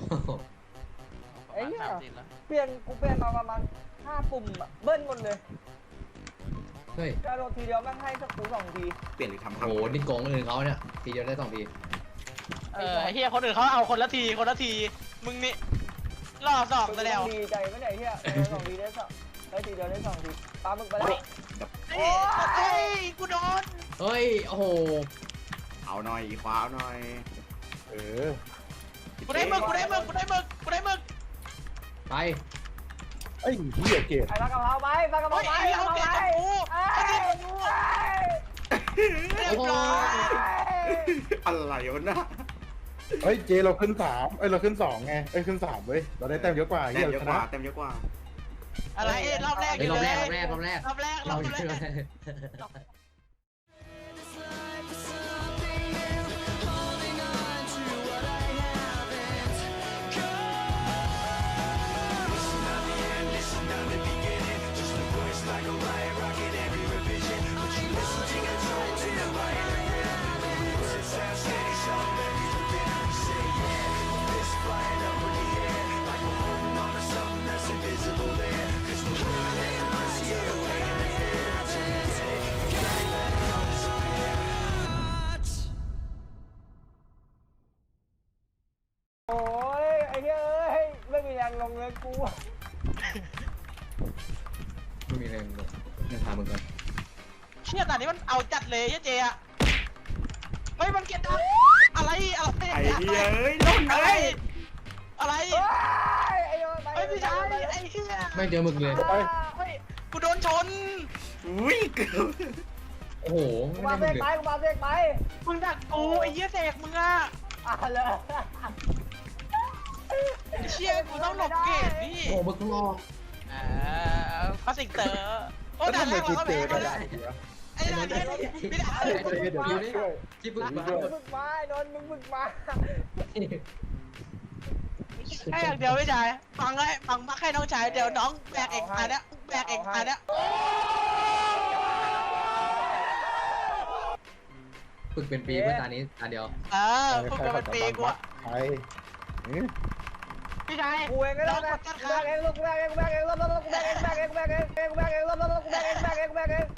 ไอ้เนี่ยเปลี่ยนมาประมาณ5 ปุ่มอะเบิ้ลหมดเลยเฮ้ยกระโดดทีเดียวแม่งให้สักกู2 ทีเปลี่ยนหรือทำโหนี่โกงคนอื่นเขาเนี่ยทีเดียวได้2 ทีไอ้เฮียคนอื่นเขาเอาคนละทีมึงนี่รอบ2ซะแล้วดีใจไม่ไหนเฮีย2 ทีได้ทีเดียวได้2 ทีปลาหมึกไปแล้วเฮ้ยกูโดนเฮ้ยโอ้โหเอาหน่อยคว้าหน่อยกูได้มึกไปไอ้เหี้ยเกตไอ้ปลากระเพราไปปลากระเพราไปเอาเกตกู เรียบร้อยอะไรวะนะเฮ้ยเจเราขึ้น3เราขึ้น2ไงขึ้น3เว้ยเราได้แต้มเยอะกว่าแต้เหี้ยมเยอะชกว่านะแต้มเยอะกว่าอะไรรอบแรกเฮ้ยรอบแรกรอบแรกโอ้ยไอ้เหี้ยเอ้ยไม่มีแรงลงเลยกูไม่มีแรงเลยยังพามึงก่อนเชี่ยตอนนี้มันเอาจัดเลยเจ๊อะไม่มันเกลียดดังอะไรไอ้เหี้ยเอ้ยล่นอะไรเลยอะไรไอ้โยนไปไอ้พี่ชายไอ้เหี้ยไม่เจอมึงเลยเฮ้ยกูโดนชนอุ้ยเกือบโอ้โหกูไม่มาได้เสมึงกเลยไปกูมาเสกไปมึงดักกูไอ้เหี้ยเสกมึงอะเลยไอ้เชี่ยกูต้องหลบเกตนี่โอ้มึงต้องรอพาสิงเตอร์โอ้แล้วด่าทำไมแรกกูเราก็เจแพ้อเลได้ยวะไอ้ด่าเนี่ยไม่ได้เดี๋ยวนี้ช่วยที่พึ่งมามึกมาโดนมึกมาแค่อย่างเดียวไม่ใช่ฟังมาแค่น้องชายเดี๋ยวน้องแบกเอกอันเนี้ยแบกเอกอันเนี้ยฝึกเป็นปีเพื่อตานี้ตาเดียวพูดกันเป็นปีกูอะใครพี่ชายกูเองก็ได้นะกูแบกเองลูกกูแบกเองกูแบกเองลูกกูแบกเองกูแบกเองกูแบกเองกูแบกเองลูกกูแบกเองกูแบกเองกูแบกเอง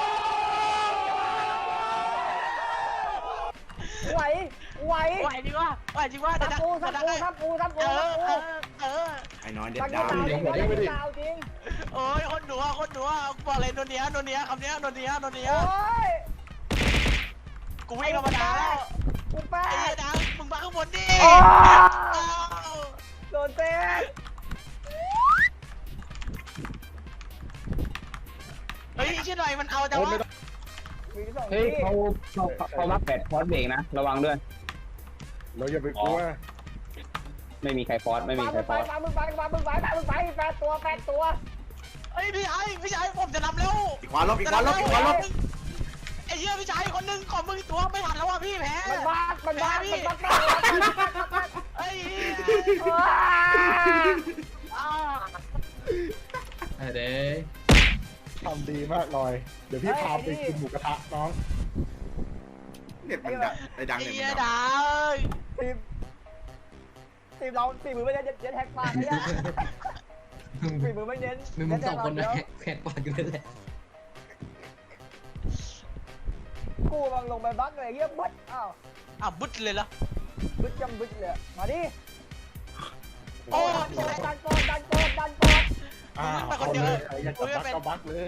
ไหวไหวจริงวะเดี๋ยวทับกูไอ้น้อยเด็ดตักดาวดาวจริงโอ้ยคนหนูบอกเลยโนเนียคำเนี้ยโนเนียโอ้ยกูวิ่งธรรมดาแล้วกูแป๊ไอ้ดดาวมึงมาข้างบนดิโดนเตะเฮ้ยชื่อหน่อยมันเอาแต่ว่าเฮ้ยเขารับ8 ฟอสเบรกนะระวังด้วยเราอย่าไปกลัวไม่มีใครฟอสไม่มีใครฟอสมึงไป8 ตัวเฮ้ยพี่ชายผมจะนำแล้วอีกขวาลบไอ้เหี้ยพี่ชายคนนึงของมึงตัวไม่ทันแล้วว่ะพี่แพ้มันบ้าเฮ้ยเด้ทำดีมากลอยเดี๋ยวพี่พาไปกินหมูกระทะน้องเน็ตมันดังไอ้ดังไอ้เน็ตเหี้ยมันดังดาวทีมเรา4 มือไม่เย็นแท็กปากเลยอะ4 มือไม่เย็นมึง2 คนนะแขกปากกันเลยแหละกูกำลังลงไปบักเลยเงี้ยบึ๊ดบุดเลยเหรอบึ๊ดจำบึ๊ดเลยมาดิโอ้ดันโปดเอาเลยใครอยากจะบักก็บักเลย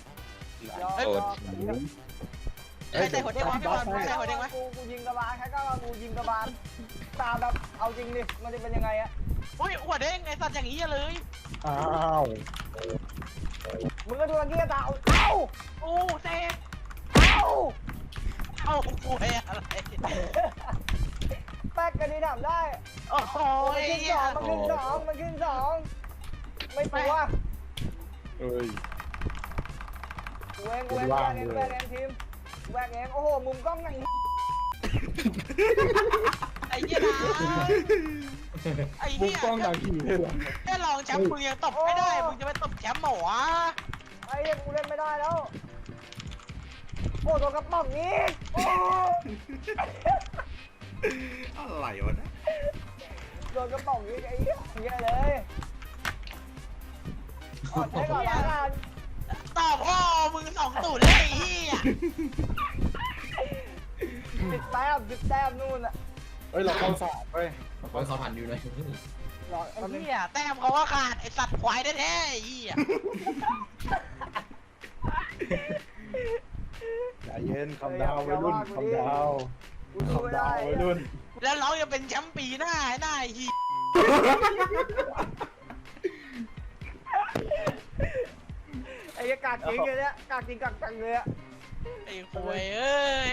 ใส่หัวเด้งวะพี่บอลใส่หัวเด้งวะกูยิงกระบาลแค่ก็กูยิงกระบาลตามแบบเอาจริงดิมันจะเป็นยังไงอะอุ้ยหัวเด้งไอ้สัตว์อย่างนี้เลยอ้าวมึงก็ดูตะกี้ตาเอาโอ้เซฟเอาเอากูอะไรแป๊กกันดีทำได้โอ้โหมันขึ้นสองไม่กลัวเอ้ยกูเองทีมแหวกเองโอ้โหมุมกล้องไหนไอ้เหี้ยนะไอ้บุกเหี้ยกล้องหนังผีเลยเหรอแค่ลองแชมป์มึงยังตบไม่ได้มึงจะไปตบแชมป์หมอวะไอ้กูเล่นไม่ได้แล้วโอ้โดนกระป๋องนี้โอ้อะไรวะนะโดนกระป๋องยิงไอ้เหี้ยเยอะเลยอดให้ก่อนละกันตอบพ่อมึง2-0เลยไอ้เหี้ย 10 แต้มนู่นอะเฮ้ยเราเข้าสามเว้ยขอให้เขาผ่านอยู่หน่อยรอไอ้เหี้ยแต้มเขาว่าขาดไอ้สัตว์ควายแท้ๆไอ้เหี้ยใจเย็นคำดาวไว้รุ่นคำดาวกูสู้ไม่คำดาได้วไว้รุ่นแล้วน้องจะเป็นแชมป์ปีหน้าไอ้เหี้ยไอ้เหี้ยกากจริงเลยเนี่ยกากจริงกากจังเลยอะไอ้ควยเอ้ย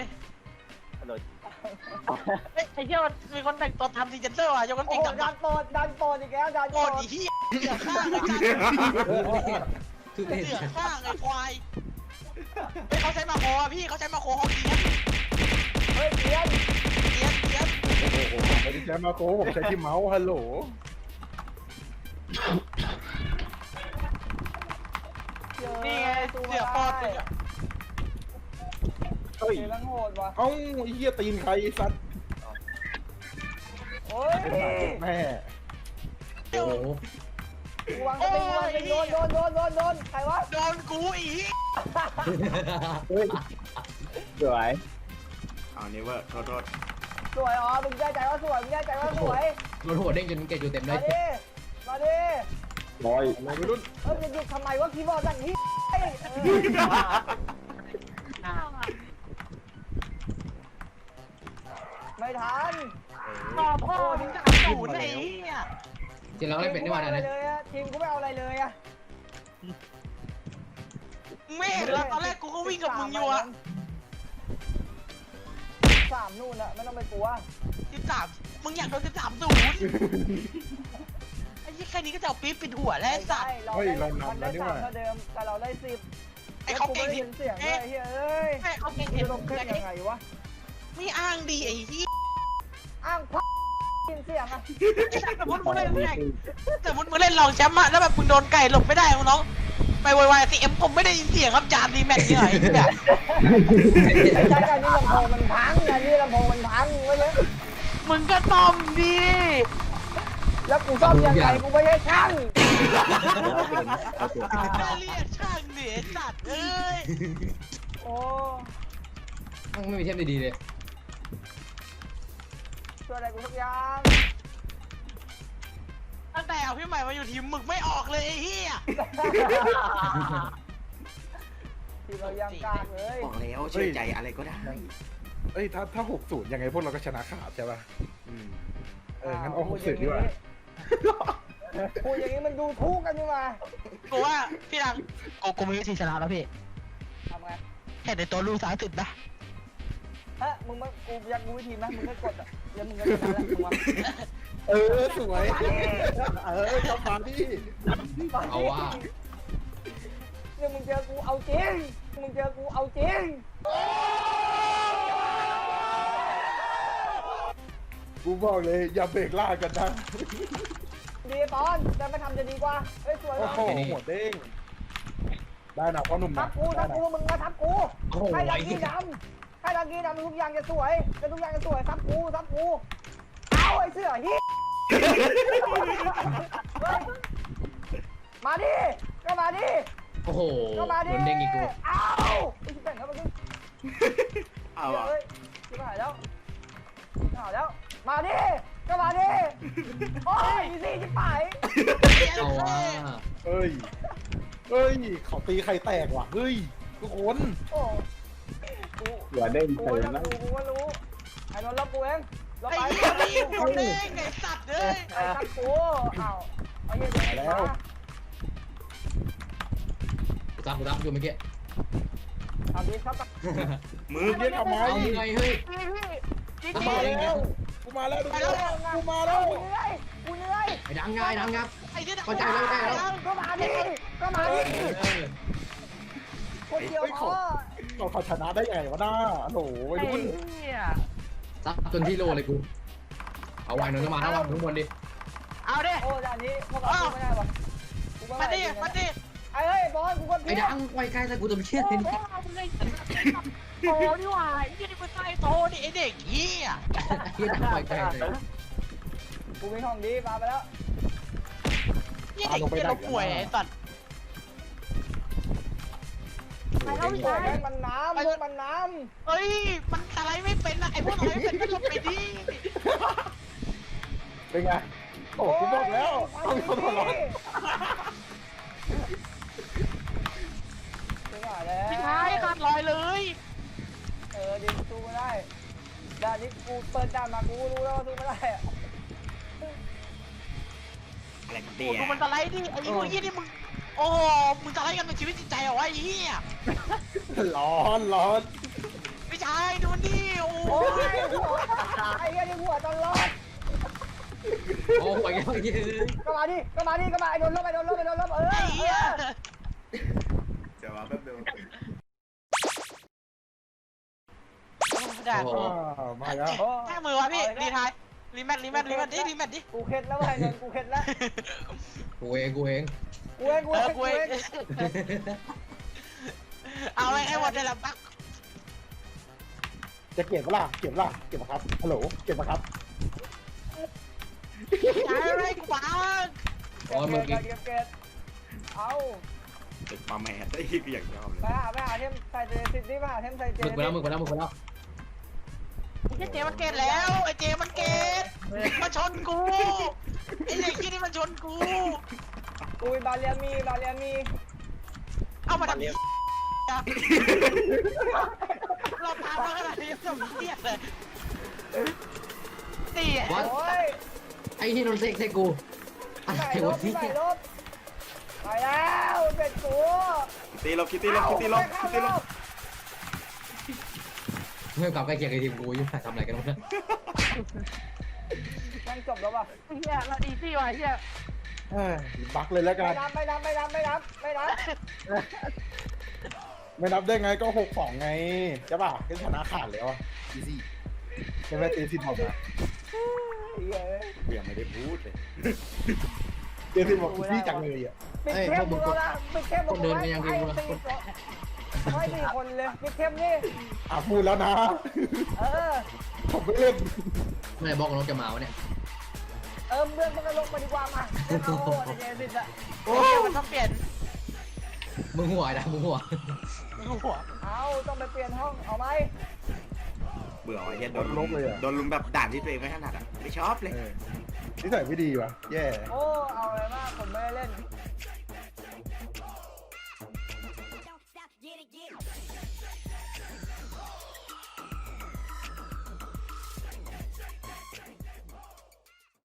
เฮ้ยไอ้เหี้ยมันมีคนแต่งตัวทำซีเจนเซอร์ว่ะยกกันโอ้ติงโหกับดันโปรดอีกแล้วดันโกโปรดดไอ้เหี้ยเสือข้างไอ้จันคือเล่นเสือข้างไอ้ควายเฮ้ยเขาใช้มาโคอ่ะพี่เขาใช้มาโคเขาเกียร์เฮ้ยเกียนเกียร์โอ้โหผมไม่ได้ใช้มาโก้ผมใช้ที่เมาส์ฮัลโหลนี่ไงเสือปอดกูเนี่ยเฮ้ยเกียนแม่งโหดว่ะเอ้าไอ้เหี้ยตีนใครไอ้สัตว์โอ้ยแม่โอ้โหกูวางสติกูวางสติโดนใครวะโดนกูอีกเฮ้ยสวยเอาเนเวอร์โทษสวยอ๋อมึงแน่ใจว่าสวยมึงแน่ใจว่าสวยโดนหัวเด้งจนเกจอยู่เต็มเลมาย ดิมาดิบอยอะไรวัยรุ่นจะหยุดทำไมวะคีย์บอร์ดดังนี้ไม่ทันต่อพ่อถึง3-0ไอ้เหี้ยจริงเราเล่นเป็นได้วันนั้นนะทีมกูไม่เอาอะไรเลยอะไม่เห็นแล้วตอนแรกกูก็วิ่งกับมึงอยู่อะ 3นู่นอะไม่ต้องไปกลัว 13มึงอยากโดน13-0ไอ้ยี่แค่นี้ก็จะเอาปี๊บปิดหัวแล้วไอ้สัตว์เราได้3เท่าเดิมแต่เราได้10 ไอ้เขาเก่งยินเสียงเลยเฮ้ยไอ้เขาเก่งจะลงขึ้นยังไงวะไม่อ้างดีไอ้ที่อ้างพักยินเสียงอะสมมติมึงเล่นแข่งสมมติมึงเล่นรองแชมป์อะแล้วแบบมึงโดนไก่หลบไม่ได้มึงน้องไปวายซีเอ็มผมไม่ได้ยินเสียงครับจานดีแม็กเนี่ยไอ้แบบใช่การนี่ลำโพงมันพังการนี่ลำโพงมันพังไว้เลยมึงก็ต้อมดีแล้วกูซ่อมยังไงกูไม่ใช่ช่างน่าเรียกช่างเดียสัตว์เอ้ยโอ้ต้องไม่มีเทปดีๆเลยช่วยอะไรกูสักอย่างตั้งแต่เอาพี่ใหม่มาอยู่ทีมมึกไม่ออกเลยไอ้เหี้ยที่เรายังกากเลยๆบอกแล้วเชื่อใจอะไรก็ได้เอ้ยถ้า60ยังไงพวกเราก็ชนะขาดใช่ป่ะอืมงั้นเอา60ดีกว่าพูดอย่างนี้มันดูทุกกันนี่มากูว่าพี่ดังกูมีวิธีชนะแล้วพี่ทำไงแค่ในตัวลูก30นะฮะมึงมากูอยากรู้วิธีไหมมึงก็กดอ่ะเดี๋ยวมึงก็ชนะแล้วมึงวะสวยกลับมาดิเอาว่าเนี่ยมึงเจอกูเอาจริงมึงเจอกูเอาจริงกูบอกเลยอย่าเบรกล่ากันนะดีตอนแต่ไม่ทำจะดีกว่าเฮ้ยสวยโอ้มากโหหัวเด้งได้นะพ่อหนุ่มทันะบกูมึงมาทับกูโอ้โหให้ดัไอ้งเหี้กี้ยดำให้ดังกี้ดำทุกอย่างจะสวยแต่ทุกอย่างจะสวยทับกูเอาไอ้เสื้อฮิมาดิก็มาดิโอ้โหก็มาโดดินเด้งอีกกูเอาไอ้ที่แต่งแล้วมันก็เอาอ่ะเฮ้ยชิบหายแล้วมาดิก็มาดิโอ้ยอีซี่ชิบหายเอาว่าเฮ้ยเขาตีใครแตกว่ะเฮ้ยทุกคนโอ้กูหัวเด้งกูเติมก็นะรู้ไอ้นนท์รับกูเองเราไอ้ไปเหี้ยนี่กูเด้งไอ้สัตว์เอ้ยไอ้ทับกูเอาไอ้เหี้ยเดี๋ยวมากูรับอยู่เมื่อกี้เอาดิครับมือเรียกทำไมเอาไงเฮ้ยจริงกูๆมาแล้วกูมาแล้วกูมาแล้วกูเหนื่อยไอ้ดังง่ายดังครับไอ้เหี้ยเข้าใจแล้วเข้าใจแล้วก็มาดิคนเดียวพอเขาชนะได้ไงวะน้าโหวัยไอ้รุ่นเหี้ยซับจนที่โลเลยกู เอาไว้หน่อยมาแล้วข้างบนดิเอาดิโอ้ด่านนี้พวกเราไม่ได้ปะมาดิไอ้เฮ้ยบอลกูคนไอ้ดังไว้ใกล้ใส่กูตัวเชี่ยโอ้เลยโหนี่หว่าไอ้เหี้ยนี่มันใต้โตนี่ไอ้เด็กเหี้ยไอ้ดังไว้ใกล้เลยกูมีของดีปาไปแล้วยี่เด็กที่เราป่วยไอ้สัตว์ไอ้พวกแม่งมันน้ำพวกมันน้เฮ้ยมันอะไรไม่เป็นนะไอ้พวกอะไรไม่เป็นก็หลบไปดิเป็นไงำโอ้กูบอกแล้วต้องมีคนหัวร้อนไม่ไหวแล้วพี่ชายขาดลอยเลยดิสู้ไม่ได้ด่านนี้กูเปิดด่านมากูรู้แล้วว่าสู้ไม่ได้อะอะไรกันโอ้เดียดูมันสไลด์ดิไอ้พวกยี่นี่มึงโอ้มึงสไลด์กันเป็นชีวิตจิตใจเหรอวะไอ้เหี้ยร้อนร้อนพี่ชายดูนี่โอ้โอ้ยยหัวไอ้เหี้ยนี่หัวตลอดโอ้โหยังไงก็มาดิไอ้โดนลบไอ้เหี้ยเดี๋ยวมาแป๊บเดียวด่าโอ้โหมาแล้วแค่มือวะพี่รีไทายรีแมทดิกูเข็ดแล้วไอ้นนกูเข็ดแล้วกูเองกูเองเอาไอ้หมดเลยละปักจะเก็บปะล่ะเก็บปะล่ะเก็บปะครับฮัลโหลเก็บปะครับใช้อะไรกูปักอ๋อมึงกินเก็บเอาติดปลาแมสได้ก็อย่างชอบเลยไปหาเทมใส่เจสิบดิไปหาเทมใส่เจมึงไปแล้วไอ้เจมันเกตแล้วไอ้เจมันเกตมาชนกูไอ้เด็กที่นี่มันชนกูกูบาเลียมีเอามาทำนี้เราพามาขนาดนี้ยังเรียกเลยตีอ่ะวัดโอ้ยไอ้ที่นนเซ็กกูอะไรใส่ลวะบที่ไปแล้วเป็นกูคิตตี้ลบคิตตี้ลบเมื่อกลับใกล้เคียงกับทีมกูยุ่งทำอะไรกันวะยังจบแล้วป่ะเฮียเราดีซี่ว่ะเฮียบักเลยแล้วกันไม่นับไม่นับได้ไงก็6-2ไงใช่ป่ะก็ชนะขาดแล้วอีซี่ใช่ไหมตีสิบบอกนะเบี่ยงไม่ได้พูดเลยเตีสิบบอกพี่จังเลยอ่ะปิดเข้มมึงแล้วนะปิดเข้มมึงไม่ตีคนเลยปิดเข้มนี่พูดแล้วนะ ผมไม่เล่นเมื่อไหร่บอกน้องจะมาวะเนี่ยเพื่อนมันก็ลงมาดีกว่ามาเอาเจสิตอะโอ้มันต้องเปลี่ยนมึงหัวนะมึงหัวหัวเอาต้องไปเปลี่ยนห้องเอาไหมเบื่อไอ้เหี้ยโดนลุมแบบด่านที่ตัวเองไม่ถนัดอ่ะไม่ชอบเลยนิสัยไม่ดีว่ะแย่โอ้เอาอะไรมากผมไม่ได้เล่น